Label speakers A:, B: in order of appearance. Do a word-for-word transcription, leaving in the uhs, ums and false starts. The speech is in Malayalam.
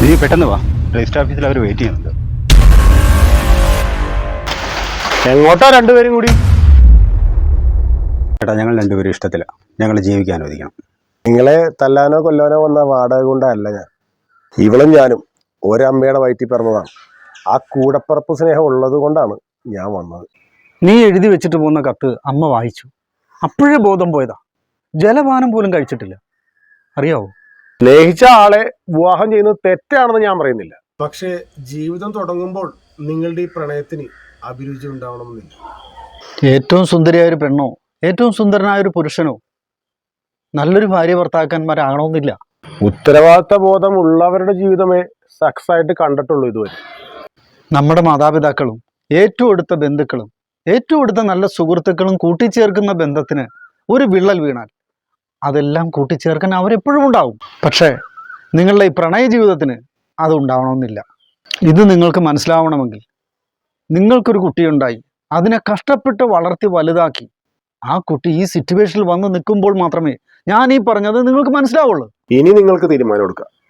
A: നീ പെട്ടെന്ന് വാ, രജിസ്റ്റർ ഓഫീസിൽ അവർ വെയിറ്റ് ചെയ്യുന്നുണ്ട്.
B: എങ്ങോട്ടാ രണ്ടുപേരും കൂടി?
A: ചേട്ടാ, ഞങ്ങൾ രണ്ടുപേരും ഇഷ്ടത്തില്ല. ഞങ്ങൾ ജീവിക്കാൻ അനുവദിക്കണം.
B: നിങ്ങളെ തല്ലാനോ കൊല്ലാനോ വന്ന വാടക കൊണ്ടല്ല ഞാൻ. ഇവളും ഞാനും ഒരമ്മയുടെ വയറ്റിൽ പിറന്നതാണ്. ആ കൂടപ്പിറപ്പ് സ്നേഹം ഉള്ളത് കൊണ്ടാണ് ഞാൻ വന്നത്.
C: നീ എഴുതി വെച്ചിട്ട് പോകുന്ന കത്ത് അമ്മ വായിച്ചു. അപ്പോഴേ ബോധം പോയതാ. ജലപാനം പോലും കഴിച്ചിട്ടില്ല, അറിയാവോ?
B: സ്നേഹിച്ച ആളെ വിവാഹം ചെയ്യുന്നത് തെറ്റാണെന്ന് ഞാൻ പറയുന്നില്ല. പക്ഷേ ജീവിതം തുടങ്ങുമ്പോൾ നിങ്ങളുടെ ഈ പ്രണയത്തിന് അഭിരുചി ഉണ്ടാവണമെന്നില്ല.
C: ഏറ്റവും സുന്ദരിയായ ഒരു പെണ്ണോ ഏറ്റവും സുന്ദരനായ ഒരു പുരുഷനോ നല്ലൊരു ഭാര്യ ഭർത്താക്കന്മാരാകണമെന്നില്ല.
B: ഉത്തരവാദിത്ത ബോധം ഉള്ളവരുടെ ജീവിതമേ സക്സസ് ആയിട്ട് കണ്ടിട്ടുള്ളൂ ഇതുവരെ.
C: നമ്മുടെ മാതാപിതാക്കളും ഏറ്റവും അടുത്ത ബന്ധുക്കളും ഏറ്റവും അടുത്ത നല്ല സുഹൃത്തുക്കളും കൂട്ടിച്ചേർക്കുന്ന ബന്ധത്തിന് ഒരു വിള്ളൽ വീണാൽ അതെല്ലാം കൂട്ടിച്ചേർക്കാൻ അവരെപ്പോഴും ഉണ്ടാവും. പക്ഷേ നിങ്ങളുടെ ഈ പ്രണയ ജീവിതത്തിന് അത് ഉണ്ടാവണമെന്നില്ല. ഇത് നിങ്ങൾക്ക് മനസ്സിലാവണമെങ്കിൽ നിങ്ങൾക്കൊരു കുട്ടിയുണ്ടായി അതിനെ കഷ്ടപ്പെട്ട് വളർത്തി വലുതാക്കി ആ കുട്ടി ഈ സിറ്റുവേഷനിൽ വന്ന് നിൽക്കുമ്പോൾ മാത്രമേ ഞാൻ ഈ പറഞ്ഞത് നിങ്ങൾക്ക് മനസ്സിലാവുള്ളൂ.
B: ഇനി നിങ്ങൾക്ക് തീരുമാനം എടുക്കാം.